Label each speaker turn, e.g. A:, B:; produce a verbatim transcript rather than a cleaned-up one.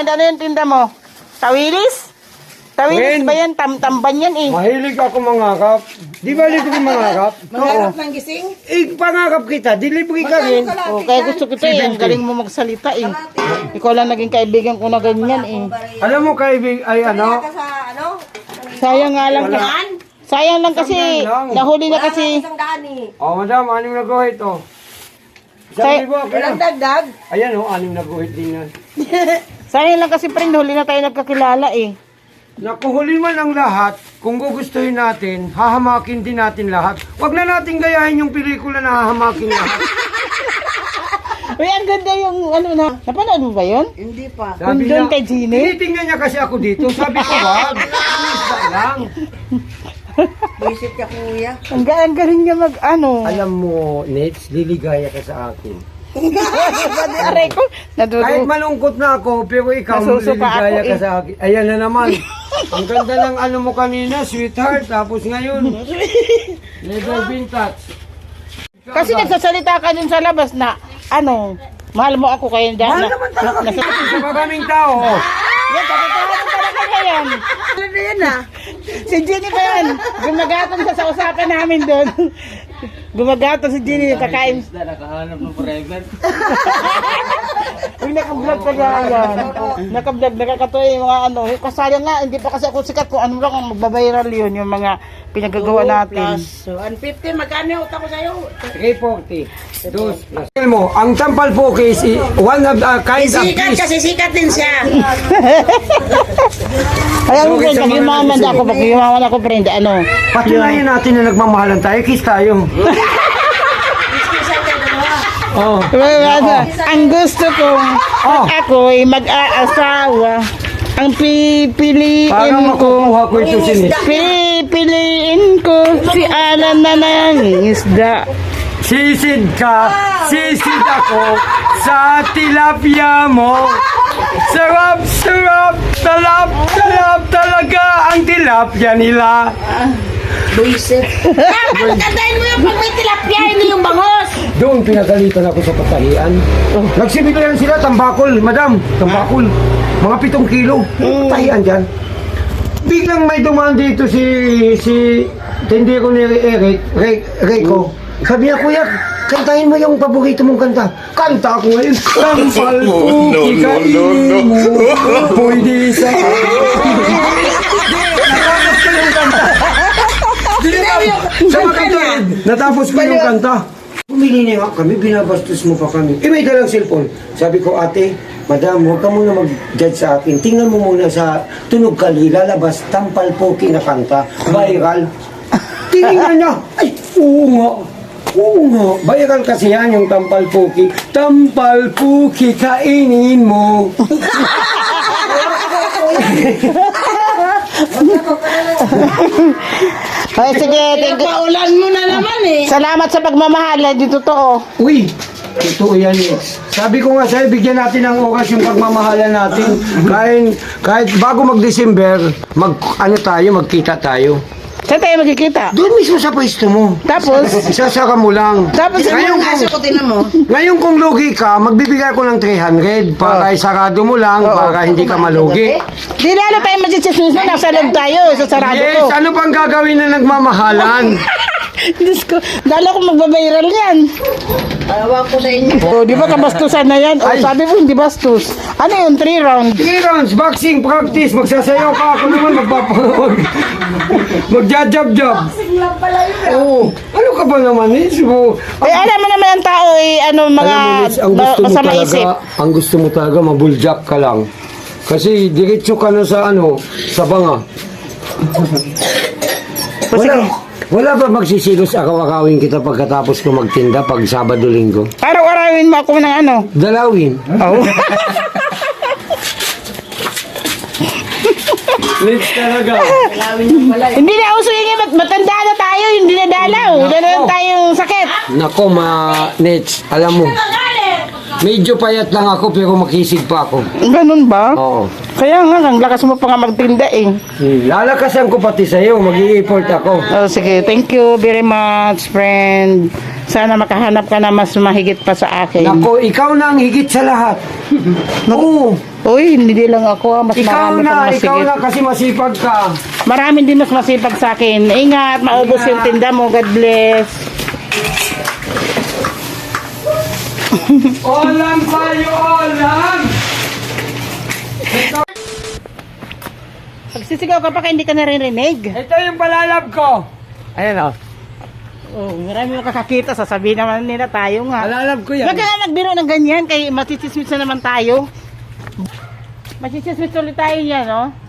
A: friend, ano yung tinda mo? Tawilis? Tawilis
B: Friend.
A: ba yan? Tam tamban yan eh.
B: Mahilig ako mangakap. Di ba libre ko mangakap?
C: Mangarap ng gising?
B: Eh, pangakap kita. Delivery ka rin.
A: Oh, kaya gusto kita eh. Ang galing mo magsalita eh. Ikaw lang naging kaibigan ko na ganyan eh.
B: Alam mo, kaibig, ay ano?
C: Ka sa ano?
A: Sayang nga lang.
C: Daan?
A: Sayang lang kasi.
B: Isang daan lang.
A: Nahuli na
C: Wala
A: kasi.
C: nga isang daan eh.
B: Oh, madam, anim na guhit, oh. Isang
A: Say-
B: libo, okay
C: Walang
B: na.
C: dagdag.
B: Ayan, oh, anim na guhit din yan.
A: Sayang lang kasi friend. Huli na tayo nagkakilala eh.
B: Nakuhuli man ang lahat, kung gugustuhin natin, hahamakin din natin lahat. Huwag na natin gayahin yung pelikula na hahamakin lahat.
A: Uy, ang ganda yung ano na. Napanood mo ba yun?
C: Hindi pa.
A: Kung doon kay Gini?
B: tinitingnan niya kasi ako dito. Sabi ko, wag. Isa lang.
C: Visit ka kuya.
A: Ang, ga- ang galing niya mag ano.
B: Alam mo, Nets, liligaya ka sa akin.
A: Pati aray ko.
B: Kahit
A: Nadudu.
B: malungkot na ako, pero ikaw
A: Nasusuka
B: liligaya
A: ako
B: ka
A: eh.
B: sa akin. Ayan na naman. Ang ganda ng ano mo kanina, sweetheart. Tapos ngayon, leather vintage.
A: Kasi nagsasalita ka dun sa labas na ano, mahal mo ako kayo dyan.
B: Mahal naman talaga
A: na,
B: kita sa maraming tao.
A: yan, katotohanan talaga na yan.
C: Ano na yan ah?
A: Si Jenny pa yan. Gumagatong sa sa usapan namin doon. Gumagatong si Jenny, kakain.
D: Nakahanap ng forever.
A: Uy, naka-vlog ka nga yan. Naka-vlog, nakakatuwa yung mga ano. Kasaya nga, hindi pa kasi ako sikat kung ano lang ang magbabiral yun, yung mga pinagagawa natin.
C: So, one fifty, magkano yung utang ko sa'yo?
B: three forty. Dos. Alam mo, ang tampal po is one of the kind of
C: Sikat
B: fish.
C: kasi sikat din siya.
A: Kaya mo,
B: Okay,
A: friend,
B: sa mga
A: pag-yumaman
B: nag-isip.
A: ako, pag-yumaman ako, friend, ano.
B: Patunayan natin na nagmamahalan tayo, kiss tayo. Oh.
A: Well, ang gusto ko,
B: Oh.
A: pag ako'y mag-aasawa, ang pipiliin
B: Parang
A: ko,
B: makukuha ko ito sinis.
A: pipiliin ko si Alan na nangingisda.
B: Sisid ka, sisid ako sa tilapia mo. Sarap, sarap, talap, talap talaga ang tilapia nila.
C: Buisit. Dapat kantahin mo yung pag may tilapia, hindi yung bangos.
B: Doon pinagalitan ako sa patahian. Nagsibigayan sila, tambakol, madam, tambakol. Mga pitong kilo. Patahian dyan. Biglang may dumaan dito si, si, tindero ni Eric, Ray, Rayco. Sabi niya, kuya, kantahin mo yung paborito mong kanta. Kanta ako ngayon. Tampal po, ikainin mo. Pwede sa natapos ko yung kanta. Sa makatuwid, natapos ko yung kanta. Pumili na nga kami, binabastos mo pa kami. Eh, may dalang cellphone. Sabi ko, ate, madam, huwag ka muna mag-judge sa akin. Tingnan mo muna sa tunog kali, lalabas, tampal po kinakanta, viral. Tingnan niya, ay, oo nga. Oo nga, viral kasi yan yung tampal puki. Tampal puki, kainin mo.
A: Ay, sige, thank you.
C: Paulan mo na naman eh.
A: Salamat sa pagmamahal, hindi totoo.
B: Uy, totoo yan, Ex. Sabi ko nga sa'yo, bigyan natin ng oras yung pagmamahalan natin. Kahit, kahit bago mag-December, mag, ano tayo, magkita tayo.
A: Saan tayo magkikita?
B: Doon mismo sa pwesto mo.
A: Tapos,
B: Isasaka mo lang.
A: tapos,
B: Ngayon,
C: Kaso ko tinan mo.
B: ngayon kung lugi ka, magbibigay ko ng three hundred para isarado mo lang, para hindi ka malugi.
A: di lalo tayo magsisismis na nasa loob tayo, sa sarado ko.
B: Yes, ano pang gagawin na nagmamahalan?
A: Diyos ko, lalo ko magbabiral yan.
C: Awa ko sa inyo.
A: O, di ba kabastusan na yan? O,
B: Ay.
A: sabi mo hindi bastos. Ano yun, three round?
B: Three rounds, boxing, practice, magsasayaw ka, ako naman magpapanood. Mag-jab-jab-jab. Oo. Ano ka ba naman eh? So,
A: Eh, alam mo naman ang tao, eh, ano, mga
B: alam mo, Liz, ang
A: ma-
B: gusto mo
A: masama
B: talaga,
A: isip.
B: ang gusto mo talaga, mabuljak ka lang. Kasi diretso ka na sa ano, sa banga. Wala, wala ba magsisilos akaw-akawin kita pagkatapos ko magtinda pag Sabado-Linggo?
A: Araw-arawin mo ako ng ano.
B: Dalawin.
A: Oo.
B: Let's talaga.
A: Hindi na uso yun, mat- matanda na tayo, hindi na dalaw. Wala na lang tayong sakit.
B: Nako, ma Nets, alam mo, medyo payat lang ako pero makisig pa ako.
A: Ganun ba?
B: Oo.
A: Kaya nga, ang lakas mo pa nga magtinda eh.
B: Hmm, lalakasan ko pati sa'yo, mag-i-effort ako.
A: Oh, sige, thank you very much, friend. Sana makahanap ka na mas mahigit pa sa akin.
B: Nako, ikaw na ang higit sa lahat. Oo,
A: Uy, hindi lang ako. ah. Mas
B: Ikaw
A: marami
B: na,
A: pang
B: ikaw
A: masigit.
B: na kasi masipag ka.
A: Marami din mas masipag sa akin. Ingat, maubos yung tinda mo. God bless.
B: Olam tayo, olam!
A: Pagsisigaw ka pa kaya hindi ka naririnig.
B: Ito yung palalab ko. Ayan o.
A: Oh, marami mo kakakita. Sasabihin naman nila tayo nga.
B: Palalab ko yan.
A: Huwag ka nga nagbiro ng ganyan. Kaya masisismis na naman tayo. Masisismis ulit tayo niya, no?